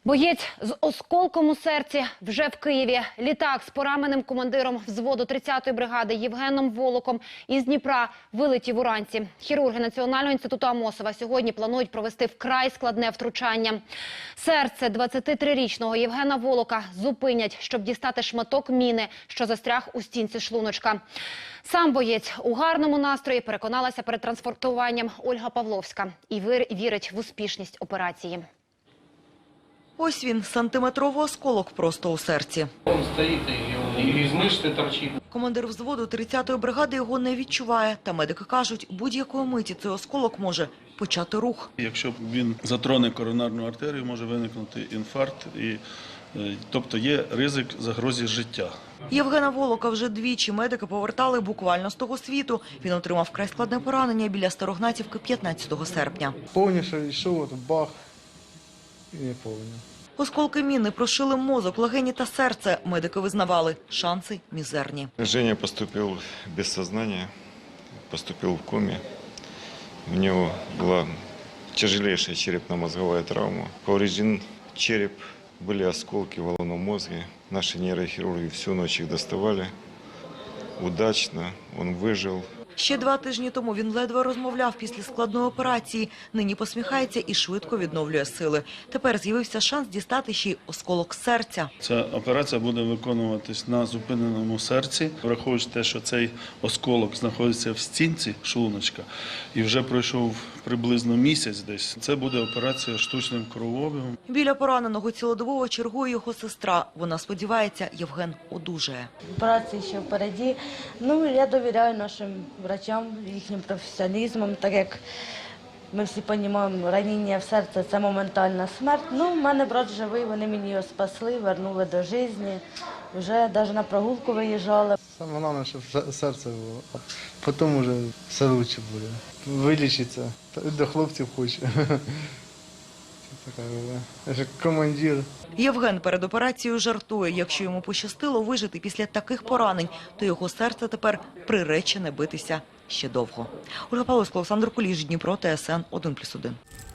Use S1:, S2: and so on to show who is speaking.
S1: Боєць з осколком у серці вже в Києві. Літак з пораненим командиром взводу 30-ї бригади Євгеном Волоком із Дніпра вилетів уранці. Хірурги Національного інституту Амосова сьогодні планують провести вкрай складне втручання. Серце 23-річного Євгена Волока зупинять, щоб дістати шматок міни, що застряг у стінці шлуночка. Сам боєць у гарному настрої, переконалася перед транспортуванням Ольга Павловська, і вірить в успішність операції.
S2: Ось він, сантиметровий осколок просто у серці.
S3: Він стоїть і із мишці торчить.
S2: Командир взводу 30-ї бригади його не відчуває. Та медики кажуть, будь-якої миті цей осколок може почати рух.
S4: Якщо він затроне коронарну артерію, може виникнути інфаркт, тобто є ризик загрози життя.
S2: Євгена Волока вже двічі медики повертали буквально з того світу. Він отримав вкрай складне поранення біля Старогнатівки 15 серпня.
S5: Повніше йшов, от бах, і не повинен.
S2: Осколки міни прошили мозок, легені та серце. Медики визнавали, шанси мізерні.
S6: Женя поступил без сознания, поступил в коме. У него была тяжелейшая черепно-мозговая травма. Поврежден череп, были осколки в головном мозге. Наши нейрохирурги всю ночь их доставали. Удачно, он выжил.
S2: Ще 2 тижні тому він ледве розмовляв після складної операції. Нині посміхається і швидко відновлює сили. Тепер з'явився шанс дістати ще й осколок серця.
S4: Ця операція буде виконуватись на зупиненому серці, враховуючи те, що цей осколок знаходиться в стінці шлуночка і вже пройшов приблизно місяць десь. Це буде операція штучним кровообігом.
S2: Біля пораненого цілодобово чергує його сестра. Вона сподівається, Євген одужає.
S7: Операції ще впереді. Я довіряю нашим врачам, їхнім професіоналізмом, так як ми всі розуміємо, ранення в серце – це моментальна смерть. В мене брат живий, вони мені його спасли, вернули до життя. Вже навіть на прогулку виїжджали.
S5: Саме головне, щоб серце було, а потім вже все краще буде. Вилічиться, до хлопців хоче. Я ж командир.
S2: Євген перед операцією жартує. Якщо йому пощастило вижити після таких поранень, то його серце тепер приречене битися ще довго. Ольга Павловська, Олександр Куліш, Дніпро, ТСН 1+1.